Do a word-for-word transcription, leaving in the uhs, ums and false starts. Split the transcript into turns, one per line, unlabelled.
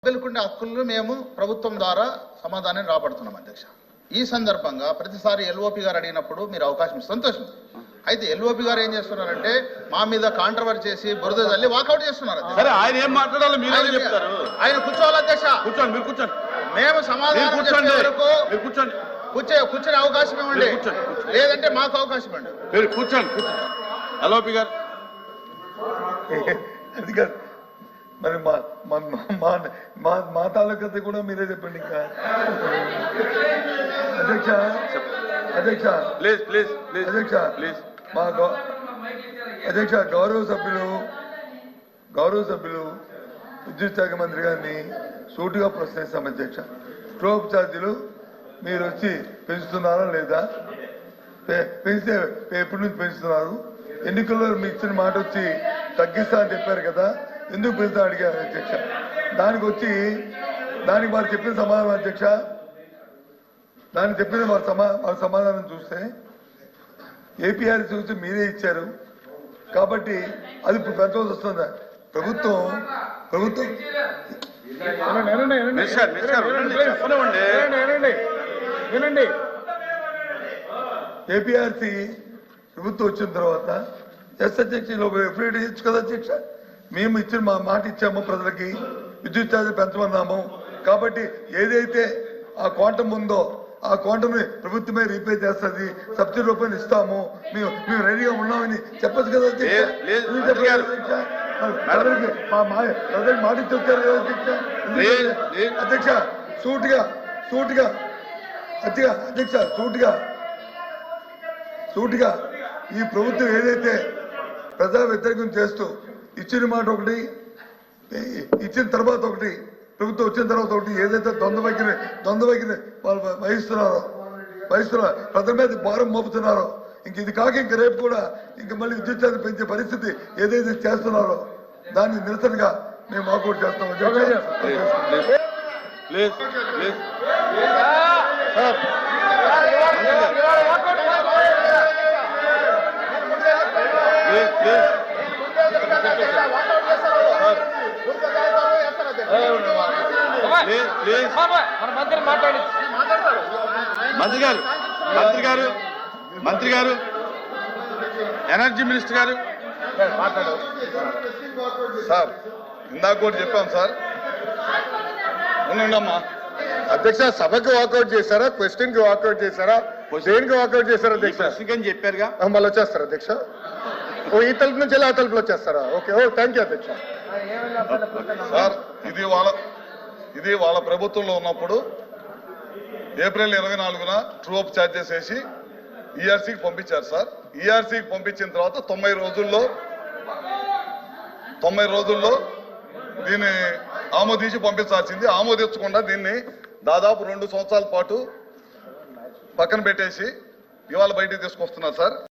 సభ్యులకుండే హక్కులను మేము ప్రభుత్వం ద్వారా సమాధానం రాబడుతున్నాం అధ్యక్ష. ఈ సందర్భంగా ప్రతిసారి ఎల్ఓపి గారు అడిగినప్పుడు మీరు అవకాశం ఇస్తే సంతోషం. అయితే ఎల్ఓపి గారు ఏం చేస్తున్నారంటే మా మీద కాంట్రవర్సీ చేసి బురద తల్లి వాకౌట్ చేస్తున్నారు.
ఆయన ఏం మాట్లాడాలో మీరు చెప్తారు.
ఆయన కూర్చోవాలి అధ్యక్ష.
కూర్చోండి, మీరు కూర్చోండి.
మేము సమాధానం చెప్పే వరకు
కూర్చోండి,
కూర్చో కూర్చొని అవకాశం ఇవ్వండి, లేదంటే మాకు అవకాశం ఇవ్వండి.
మీరు కూర్చోండి కూర్చోండి ఎల్ఓపి గారు.
అది కాదు మరి మా మా మా మా తాలూకత కూడా మీరే చెప్పండి. ఇంకా అధ్యక్ష అధ్యక్ష
ప్లీజ్ ప్లీజ్ ప్లీజ్
అధ్యక్ష
ప్లీజ్
మా అధ్యక్ష గౌరవ సభ్యులు గౌరవ సభ్యులు విద్యుత్ శాఖ మంత్రి గారిని సూటిగా ప్రశ్నిస్తాం అధ్యక్ష. స్టోవ్ ఛార్జీలు మీరు వచ్చి పెంచుతున్నారా లేదా, పెంచితే ఎప్పటి నుంచి పెంచుతున్నారు, ఎన్నికల్లో మీ ఇచ్చిన మాట వచ్చి తగ్గిస్తా అని చెప్పారు కదా, ఎందుకు పెంచుతా అడిగారు అధ్యక్ష. దానికి వచ్చి దానికి వారు చెప్పిన సమాధానం అధ్యక్ష, దానికి చెప్పిన వారి సమా వారి సమాధానం చూస్తే ఏపీఆర్ చూసి మీరే ఇచ్చారు కాబట్టి అది ఇప్పుడు పెంచవలసి వస్తుందా ప్రభుత్వం ప్రభుత్వం
వినండి.
ఏపీఆర్సీ ప్రభుత్వం వచ్చిన తర్వాత ఎస్ అధ్యక్ష ఎఫ్ఐడి ఇచ్చు కదా అధ్యక్ష. మేము ఇచ్చిన మా మాట ఇచ్చాము, ప్రజలకి విద్యుత్ ఛార్జీలు పెంచమన్నాము కాబట్టి ఏదైతే ఆ క్వాంటం ఉందో ఆ క్వాంటమ్ని ప్రభుత్వమే రీపే చేస్తుంది, సబ్సిడీ రూపాయలు ఇస్తాము, మేము మేము రెడీగా ఉన్నామని చెప్పచ్చు కదా అధ్యక్ష. ప్రజలకి మా ప్రజలకు మాట ఇచ్చి వచ్చారు కదా అధ్యక్ష. అధ్యక్ష సూటిగా సూటిగా అధ్యక్ష అధ్యక్ష సూటిగా సూటిగా ఈ ప్రభుత్వం ఏదైతే ప్రజా వ్యతిరేకం చేస్తూ ఇచ్చిన మాట ఒకటి, ఇచ్చిన తర్వాత ఒకటి, ప్రభుత్వం వచ్చిన తర్వాత ఒకటి ఏదైతే ద్వంద్వ వైఖరి ద్వంద్వ వైఖరి వాళ్ళు వహిస్తున్నారో వహిస్తున్నారో ప్రజల మీద భారం మోపుతున్నారో, ఇంక ఇది కాక ఇంక రేపు కూడా ఇంక మళ్ళీ విద్యుత్ ఛార్జీలు పెంచే పరిస్థితి ఏదైతే చేస్తున్నారో దాన్ని నిరసనగా మేము వాకౌట్ చేస్తాం.
మంత్రి గారు మంత్రి గారు మంత్రి గారు ఎనర్జీ మినిస్టర్ గారు
సార్ ఇందాక కూడా చెప్పాం సార్.
ఉండమ్మా.
అధ్యక్ష సభకు వాకౌట్ చేశారా, క్వశ్చన్ కి వాకౌట్ చేశారా, దేనికి వాకౌట్ చేశారా అధ్యక్ష?
అని చెప్పారుగా,
మళ్ళీ వచ్చేస్తారా అధ్యక్ష? ఓ ఈ తలుపు నుంచి ఆ తలుపులో వచ్చేస్తారా? ఓకే, ఓ థ్యాంక్ యూ అధ్యక్ష.
సార్ ఇది వాళ్ళ ఇది వాళ్ళ ప్రభుత్వంలో ఉన్నప్పుడు ఏప్రిల్ ఇరవై నాలుగున ట్రూ అప్ ఛార్జెస్ వేసి ఈఆర్సీకి పంపించారు సార్. ఈఆర్సీకి పంపించిన తర్వాత తొంభై రోజుల్లో తొంభై రోజుల్లో దీన్ని ఆమోదించి పంపించాల్సింది, ఆమోదించకుండా దీన్ని దాదాపు రెండు సంవత్సరాల పాటు పక్కన పెట్టేసి ఇవాళ బయటికి తీసుకొస్తున్నారు సార్.